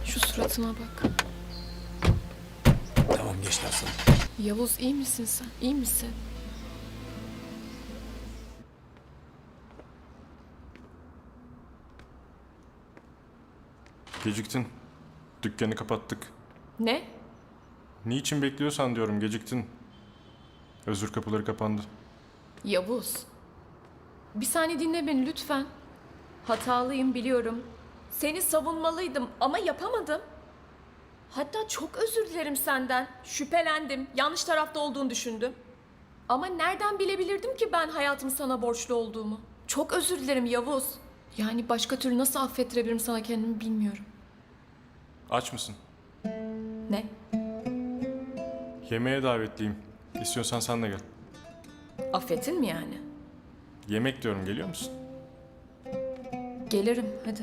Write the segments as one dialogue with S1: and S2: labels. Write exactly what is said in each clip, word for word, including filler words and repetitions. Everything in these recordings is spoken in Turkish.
S1: Şu suratıma bak.
S2: Tamam geçti aslanım.
S1: Yavuz iyi misin sen? İyi misin?
S3: Geciktin. Dükkanı kapattık.
S1: Ne?
S3: Niçin bekliyorsan diyorum, geciktin. Özür kapıları kapandı.
S1: Yavuz. Bir saniye dinle beni lütfen. Hatalıyım biliyorum. Seni savunmalıydım ama yapamadım. Hatta çok özür dilerim senden. Şüphelendim. Yanlış tarafta olduğunu düşündüm. Ama nereden bilebilirdim ki ben hayatım sana borçlu olduğumu? Çok özür dilerim Yavuz. Yani başka türlü nasıl affettirebilirim sana kendimi bilmiyorum.
S3: Aç mısın?
S1: Ne?
S3: Yemeğe davetliyim. İstiyorsan sen de gel.
S1: Affettin mi yani?
S3: Yemek diyorum, geliyor musun?
S1: Gelirim hadi.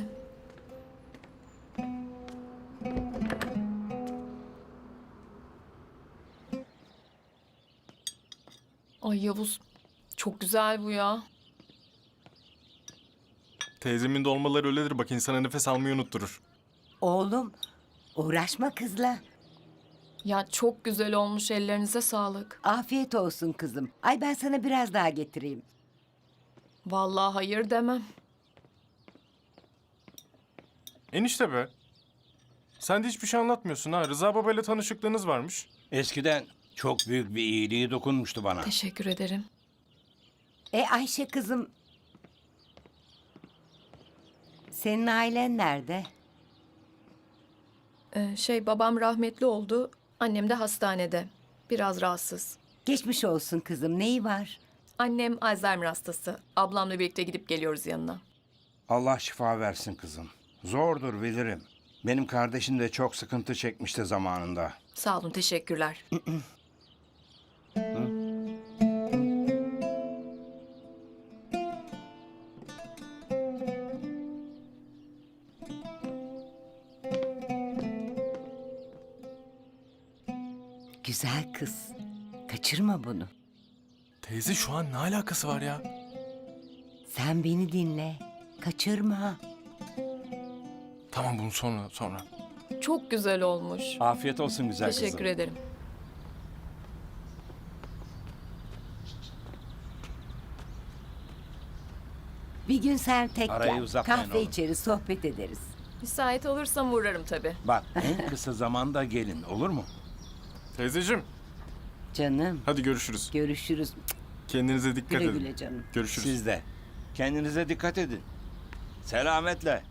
S1: Ay Yavuz. Çok güzel bu ya.
S3: Teyzemin dolmaları öyledir bak, insana nefes almayı unutturur.
S4: Oğlum, uğraşma kızla.
S1: Ya çok güzel olmuş, ellerinize sağlık.
S4: Afiyet olsun kızım. Ay ben sana biraz daha getireyim.
S1: Vallahi hayır demem.
S3: Enişte be. Sen de hiçbir şey anlatmıyorsun ha. Rıza babayla tanışıklığınız varmış.
S2: Eskiden çok büyük bir iyiliği dokunmuştu bana.
S1: Teşekkür ederim.
S4: E Ayşe kızım. Senin ailen nerede?
S1: Ee, şey babam rahmetli oldu. Annem de hastanede. Biraz rahatsız.
S4: Geçmiş olsun kızım. Neyi var?
S1: Annem Alzheimer hastası. Ablamla birlikte gidip geliyoruz yanına.
S2: Allah şifa versin kızım. Zordur bilirim. Benim kardeşim de çok sıkıntı çekmişti zamanında.
S1: Sağ olun, teşekkürler.
S4: Güzel kız. Kaçırma bunu.
S3: Teyze şu an ne alakası var ya?
S4: Sen beni dinle. Kaçırma.
S3: Tamam, bunu sonra sonra.
S1: Çok güzel olmuş.
S2: Afiyet olsun güzel kızım.
S1: Teşekkür ederim.
S4: Bir gün sen tek
S2: Arayı
S4: gel.
S2: uzatmayın
S4: Kahve
S2: oğlum.
S4: içeriz, sohbet ederiz.
S1: Müsait olursam uğrarım tabii.
S2: Bak en kısa zamanda gelin olur mu?
S3: Teyzeciğim,
S4: Canım,
S3: hadi görüşürüz.
S4: görüşürüz.
S3: Kendinize dikkat
S4: Güle
S3: edin.
S4: güle canım.
S3: Görüşürüz.
S2: Siz de. Kendinize dikkat edin. Selametle.